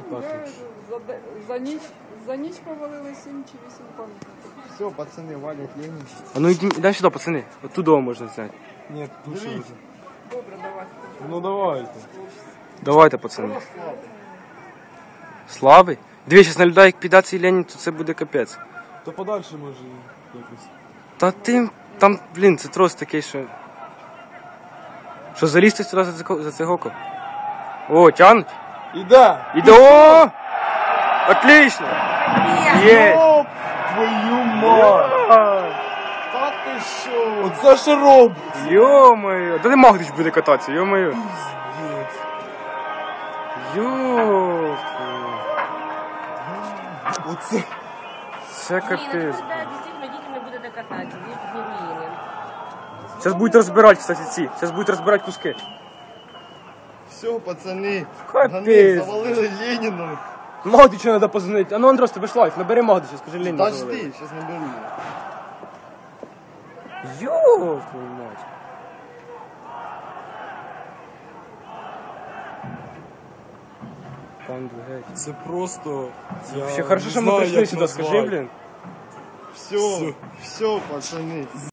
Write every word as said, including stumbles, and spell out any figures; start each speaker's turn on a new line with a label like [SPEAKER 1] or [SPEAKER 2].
[SPEAKER 1] Вже за, де- за ніч, за ніч повалили сім чи вісім пам'ятників.
[SPEAKER 2] Все, пацаны, валят Ленин.
[SPEAKER 3] А ну йдемо йдемо сюди, пацани. Оттуда можна зняти.
[SPEAKER 2] Нет,
[SPEAKER 1] Добре, давайте.
[SPEAKER 2] Ну давайте.
[SPEAKER 3] Давайте, пацани. Слави? Дві, зараз на людей, як піде цей Ленін, то це буде капець.
[SPEAKER 2] То подальше може якось.
[SPEAKER 3] Та ти, там, блін, це трос такий, що... Що залізти сюди за, цико- за цигоку? О, тянуть?
[SPEAKER 2] Іде!
[SPEAKER 3] Іде, о! Отлично! Є!
[SPEAKER 2] Оп, твою мать! Та ти що? Оце що робить?
[SPEAKER 3] Йо-моє! Та не Магдич буде кататися, йо-моє!
[SPEAKER 2] Пиздец.
[SPEAKER 3] Йо!
[SPEAKER 2] Оце.
[SPEAKER 3] Це
[SPEAKER 4] Ні, ну
[SPEAKER 3] капець.
[SPEAKER 4] коли дійсно дітям не будете кататися, будуть не руїни.
[SPEAKER 3] Зараз будуть розбирати, кстати, ці. Зараз будуть розбирати куски.
[SPEAKER 2] Все, пацаны.
[SPEAKER 3] Капець.
[SPEAKER 2] Вони завалили Леніна.
[SPEAKER 3] Магдичу треба позвонити. А ну, Андрос, тебе ж лайф, набери Магдича, скажи Ленін.
[SPEAKER 2] Подожди, сейчас наберу.
[SPEAKER 3] Йо, твою мать. Там геть.
[SPEAKER 2] Це просто... Я
[SPEAKER 3] Вообще хорошо,
[SPEAKER 2] не
[SPEAKER 3] що ми
[SPEAKER 2] знаю,
[SPEAKER 3] прийшли
[SPEAKER 2] як
[SPEAKER 3] сюди,
[SPEAKER 2] назвати.
[SPEAKER 3] скажи, блін.
[SPEAKER 2] Все, все, пацаны.